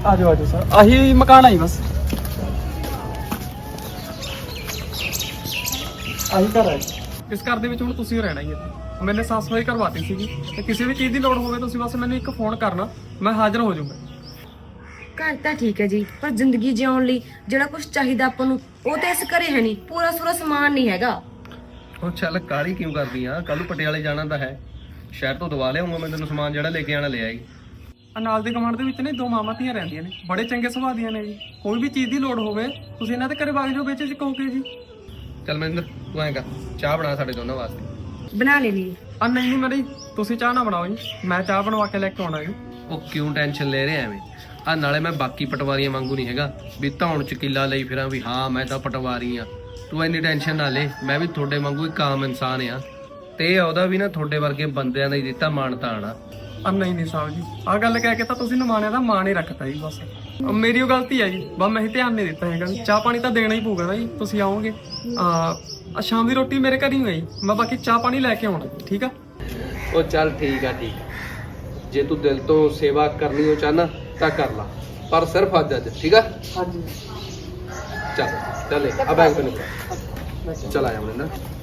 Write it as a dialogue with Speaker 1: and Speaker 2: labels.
Speaker 1: ਆ ਜਾਓ ਸਰ, ਆਹੀ ਮਕਾਨ ਆਈ ਬਸ, ਆਹੀ ਘਰ ਹੈ। ਇਸ ਘਰ ਦੇ ਵਿੱਚ ਹੁਣ ਤੁਸੀਂ ਰਹਿਣਾ ਹੀ ਹੈ। ਮੈंने ਸਾਫ ਸਫਾਈ ਕਰਵਾਤੀ ਸੀਗੀ ਤੇ ਕਿਸੇ ਵੀ ਚੀਜ਼ ਦੀ ਲੋੜ ਹੋਵੇ ਤੁਸੀਂ ਬਸ ਮੈਨੂੰ ਇੱਕ ਫੋਨ ਕਰਨਾ, ਮੈਂ ਹਾਜ਼ਰ ਹੋ ਜਾਊਂਗਾ।
Speaker 2: ਘਰ ਤਾਂ ਠੀਕ ਹੈ ਜੀ, ਪਰ ਜ਼ਿੰਦਗੀ ਜਿਉਣ ਲਈ ਜਿਹੜਾ ਕੁਝ ਚਾਹੀਦਾ ਆਪਾਂ ਨੂੰ ਉਹ ਤੇ ਇਸ ਘਰੇ ਹੈ ਨਹੀਂ। ਪੂਰਾ ਸੂਰਾ ਸਮਾਨ ਨਹੀਂ ਹੈਗਾ।
Speaker 3: ਉਹ ਚੱਲ ਕਾਹਲੀ ਕਿਉਂ ਕਰਦੀ ਆ? ਕੱਲ ਨੂੰ ਪਟਿਆਲੇ ਜਾਣਾ ਤਾਂ ਹੈ, ਸ਼ਹਿਰ ਤੋਂ ਦਵਾ ਲਿਆਉਂਗਾ ਮੈਂ ਤੈਨੂੰ ਸਮਾਨ, ਜਿਹੜਾ ਲੈ ਕੇ ਆਣਾ ਲੈ ਆਈ।
Speaker 1: ਨਾਲ ਦੇ ਕਮਾਂਡ ਦੇ ਵਿੱਚ ਨੇ 2 ਮਾਵਾਂ ਧੀਆਂ ਰਹਿੰਦੀਆਂ ਨੇ, ਬੜੇ ਚੰਗੇ ਸੁਭਾਅ ਦੀਆਂ ਨੇ ਜੀ। ਕੋਈ ਵੀ ਚੀਜ਼ ਦੀ ਲੋੜ ਹੋਵੇ ਤੁਸੀਂ ਇਹਨਾਂ ਦੇ ਘਰੇ ਵਗ ਜਾਓ, ਵਿੱਚ ਕਹੋਗੇ ਜੀ।
Speaker 3: ਚੱਲ ਮਨਿੰਦਰ ਤੂੰ ਐਂ ਕਰ, ਚਾਹ ਬਣਾ ਸਾਡੇ ਦੋਨਾਂ ਵਾਸਤੇ।
Speaker 2: ਬਣਾ ਲੈਣੀ।
Speaker 1: ਨਹੀਂ ਮੈਡਮ, ਤੁਸੀਂ ਚਾਹ ਨਾ ਬਣਾਓ ਜੀ, ਮੈਂ ਚਾਹ ਬਣਵਾ ਕੇ ਲੈ ਕੇ ਆਉਣਾ ਜੀ।
Speaker 3: ਉਹ ਕਿਉਂ ਟੈਨਸ਼ਨ ਲੈ ਰਿਹਾ ਐਵੇਂ? ਆ ਨਾਲੇ ਮੈਂ ਬਾਕੀ ਪਟਵਾਰੀਆਂ ਵਾਂਗੂ ਨਹੀਂ ਹੈਗਾ ਵੀ ਧੌਣ ਚ ਕਿੱਲਾ ਲਈ ਫਿਰਾਂ ਵੀ ਹਾਂ ਮੈਂ ਤਾਂ ਪਟਵਾਰੀ ਆ। ਤੂੰ ਇੰਨੀ ਟੈਨਸ਼ਨ ਨਾ ਲੈ, ਮੈਂ ਵੀ ਤੁਹਾਡੇ ਵਾਂਗੂ ਇੱਕ ਆਮ ਇਨਸਾਨ ਆ, ਤੇ ਉਹਦਾ ਵੀ ਨਾ ਤੁਹਾਡੇ ਵਰਗੇ ਬੰਦਿਆਂ ਦਾ ਹੀ ਦਿੱਤਾ ਮਾਣ ਤਾਣ ਆ।
Speaker 1: ਨਹੀਂ ਸਾਹਿਬ ਜੀ, ਆਹ ਗੱਲ ਕਹਿ ਕੇ ਤਾਂ ਤੁਸੀਂ ਨਿਮਾਣਿਆਂ ਦਾ ਮਾਣ ਹੀ ਰੱਖਤਾ ਜੀ। ਬਸ ਮੇਰੀ ਉਹ ਗਲਤੀ ਹੈ ਜੀ, ਬਸ ਮੈਂ ਹੀ ਧਿਆਨ ਨਹੀਂ ਦਿੱਤਾ ਹੈਗਾ। ਚਾਹ ਪਾਣੀ ਤਾਂ ਦੇਣਾ ਹੀ ਪਊਗਾ ਨਾ ਜੀ, ਤੁਸੀਂ ਆਓਗੇ। ਸ਼ਾਮ ਦੀ ਰੋਟੀ ਮੇਰੇ ਘਰ ਹੀ ਹੋਈ, ਮੈਂ ਬਾਕੀ ਚਾਹ ਪਾਣੀ ਲੈ ਕੇ ਆਉਣਾ, ਠੀਕ ਆ?
Speaker 3: ਉਹ ਚੱਲ ਠੀਕ ਆ, ਠੀਕ ਆ। ਜੇ ਤੂੰ ਦਿਲ ਤੋਂ ਸੇਵਾ ਕਰਨੀ ਹੋ ਚਾਹਨਾ ਤਾਂ ਕਰ ਲਾ, ਪਰ ਸਿਰਫ ਅੱਜ ਠੀਕ ਆ?
Speaker 1: ਹਾਂਜੀ
Speaker 3: ਚੱਲ ਚੱਲ ਆ ਬੈਗ ਤੈਨੂੰ ਚਲ ਆਇਆ ਮਨਿੰਦਰ।